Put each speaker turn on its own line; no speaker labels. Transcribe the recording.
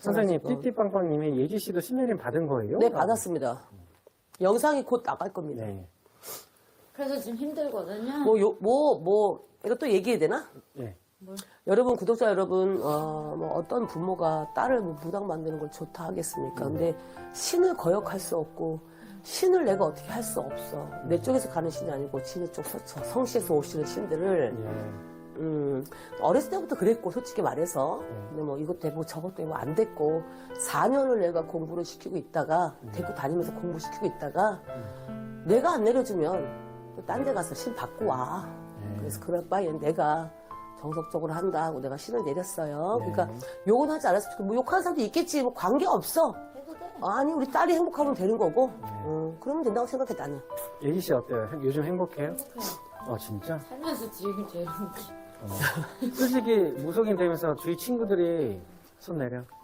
선생님,
잘하시고.
띠띠빵빵님이 예지 씨도 신내림 받은 거예요?
네, 받았습니다. 영상이 곧 나갈 겁니다.
네.
그래서 지금 힘들거든요.
이것도 얘기해야 되나?
네.
여러분, 구독자 여러분, 어떤 부모가 딸을 무당 만드는 걸 좋다 하겠습니까? 근데 신을 거역할 수 없고, 신을 내가 어떻게 할 수 없어. 내 쪽에서 가는 신이 아니고, 진의 쪽 성씨에서 오시는 신들을,
예.
어렸을 때부터 그랬고, 솔직히 말해서. 근데 뭐 이것 되고 저것 되고 안 됐고, 4년을 내가 공부를 시키고 있다가, 데리고 다니면서 공부시키고 있다가, 내가 안 내려주면, 또 딴 데 가서 신 받고 와. 그래서 그럴 바에는 내가 정석적으로 한다고 내가 신을 내렸어요. 그러니까 욕은 하지 않았어. 뭐 욕하는 사람도 있겠지. 뭐 관계 없어.
해도 돼.
아니 우리 딸이 행복하면 되는 거고. 그러면 된다고 생각해 나는.
예지 씨 어때요? 요즘 행복해요?
행복해요.
진짜?
살면서 지금 제일 행복해.
솔직히 무속인 되면서 주위 친구들이 손 내려.